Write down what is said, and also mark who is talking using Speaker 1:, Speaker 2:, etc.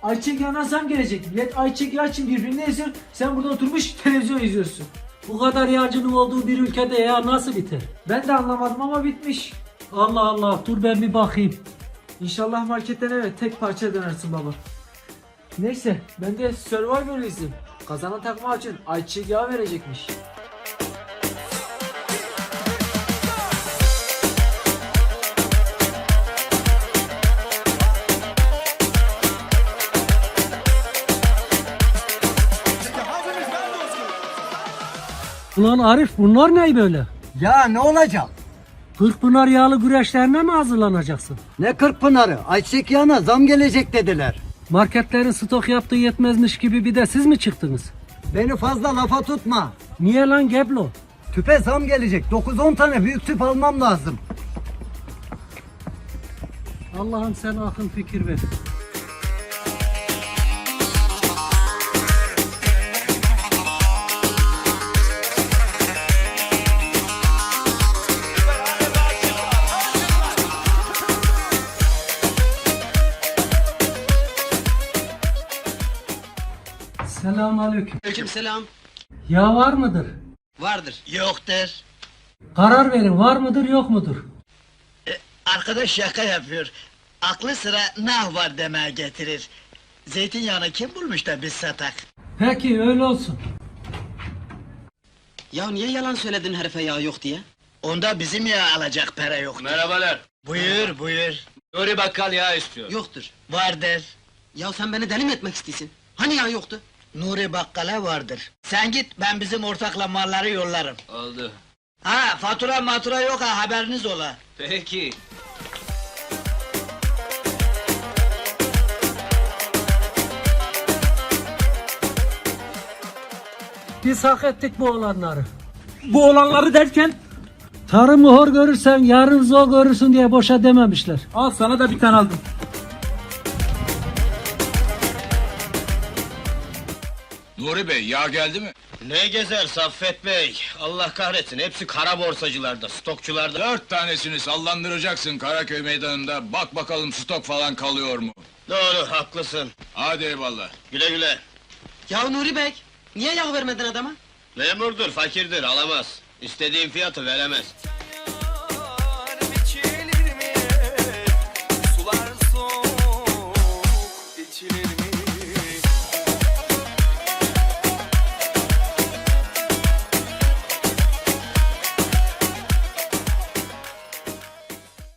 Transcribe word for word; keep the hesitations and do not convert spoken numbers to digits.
Speaker 1: ayçiçek yağına zam gelecek. Millet ayçiçek yağı için birbirini eziyor. Sen burada oturmuş televizyon izliyorsun.
Speaker 2: Bu kadar yağcının olduğu bir ülkede ya nasıl biter?
Speaker 1: Ben de anlamadım ama bitmiş.
Speaker 2: Allah Allah, dur ben bir bakayım.
Speaker 1: İnşallah marketten evet tek parça dönersin baba. Neyse ben de Survivor izleyeyim. Kazanan takma için ayçiçek yağı verecekmiş.
Speaker 2: Ulan Arif, bunlar ne böyle?
Speaker 3: Ya ne olacak?
Speaker 2: Kırkpınar yağlı güreşlerine mi hazırlanacaksın?
Speaker 3: Ne Kırkpınar'ı? Ayçiçek yağına zam gelecek dediler.
Speaker 2: Marketlerin stok yaptığı yetmezmiş gibi bir de siz mi çıktınız?
Speaker 3: Beni fazla lafa tutma.
Speaker 2: Niye lan Geblo?
Speaker 3: Tüpe zam gelecek. dokuz on tane büyük tüp almam lazım.
Speaker 2: Allah'ım sen akıl fikir ver. Selamünaleyküm.
Speaker 4: Aleykümselam.
Speaker 2: Yağ var mıdır?
Speaker 4: Vardır. Yoktur.
Speaker 2: Karar verin, var mıdır yok mudur?
Speaker 4: E, arkadaş şaka yapıyor. Aklı sıra nah var demeye getirir. Zeytinyağını kim bulmuş da biz satak?
Speaker 2: Peki öyle olsun.
Speaker 5: Ya niye yalan söyledin herife yağ yok diye?
Speaker 4: Onda bizim yağ alacak para yok.
Speaker 6: Merhabalar.
Speaker 4: Buyur buyur.
Speaker 6: Nuri Bakkal yağ istiyor.
Speaker 5: Yoktur.
Speaker 4: Vardır.
Speaker 5: Ya sen beni deli mi etmek istiyorsun? Hani yağ yoktu?
Speaker 4: Nuri Bakkal'a vardır. Sen git ben bizim ortakla malları yollarım.
Speaker 6: Oldu.
Speaker 4: Ha fatura matura yok ha haberiniz ola.
Speaker 6: Peki.
Speaker 2: Biz hak ettik bu olanları. Bu olanları derken? Tarımı hor görürsen yarın zor görürsün diye boşa dememişler.
Speaker 1: Al sana da bir tane aldım.
Speaker 6: Nuri Bey yağ geldi mi?
Speaker 4: Ne gezer Saffet Bey? Allah kahretsin hepsi kara borsacılarda, stokçularda.
Speaker 6: Dört tanesini sallandıracaksın Karaköy meydanında. Bak bakalım stok falan kalıyor mu?
Speaker 4: Doğru haklısın.
Speaker 6: Hadi eyvallah.
Speaker 4: Güle güle.
Speaker 5: Ya Nuri Bey, niye yağ vermedin adama?
Speaker 4: Memurdur, fakirdir, alamaz. İstediğin fiyatı veremez.